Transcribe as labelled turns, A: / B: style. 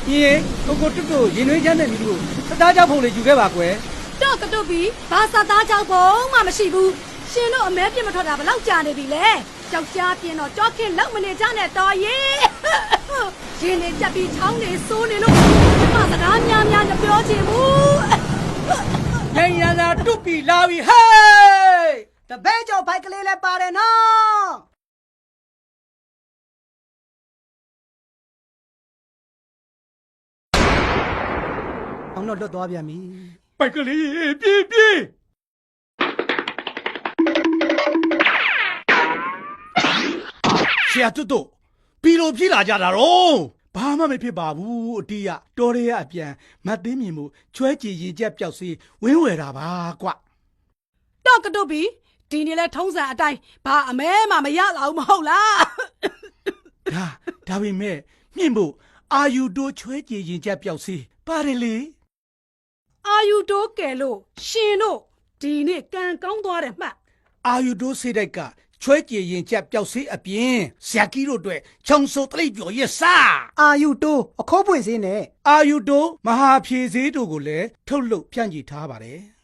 A: 耶，我这个因为现在你路，他大家跑来就给把关。
B: တော့ကတုတ်ပြီးဘာသာသားကြောက်ပုံမှမရှိဘူးရှင်တို့အမဲပြစ်မထွက်တာဘလောက်ကြာနေပြီလဲကြောက်ကြားပြင်းတော့ကြောက်ခင်လောက်မနေကြနဲ့တော်ရေးရှင်နေကြက်ပြီးချောင်းနေစိုးနေလို့ဘာစကားများများမပြောချင်ဘူး
A: 人家那肚皮拉位嘿，
C: တပည့်ကျော်ဘိုက်ကလေးလည်းပါတယ်နော်အောင်တော့လွတ်သွားပြန်ပြီ
A: 拜个哩，别别。ဆရာတွတ်တို့ပြီးလို့ပြေးလာကြတာတော့ဘာမှမဖြစ်ပါဘူးအတီးရတော်ရဲအပြန်မတ်သိမြင်မှုချွဲကြည်ရင်ကျက်ပျောက်စေးဝင်းဝယ်တာပါကွ
B: တော့ကတုတ်ပြီးဒီနေ့လဲထုံးစံအတိုင်းဘာအမဲမှမရလာဘူးမဟုတ်လား
A: ဒါပေမဲ့မြင့်ဖို့အာယူတိုးချွဲကြည်ရင်ကျက်ပျောက်စေးပါတယ်လေ
B: အာယူတိုးကယ်လို့ရှင်တို့ဒီနေ့ကံကောင်းသွားတယ်မှတ်
A: အာယူတိုးစေးတိုက်ကချွဲကြည်ရင်ကျက်ပျောက်စေးအပြင်ဆရာကြီးတို့အတွက်ခြုံစိုးတလိပ်ပြော်ရဲ့စား
C: အာယူတိုးအခိုးပွင့်စင်းနဲ့
A: အာယူတိုးမဟာဖြေစေးတို့ကိုလည်းထုတ်လုပ်ဖြန့်ချီထားပါတယ်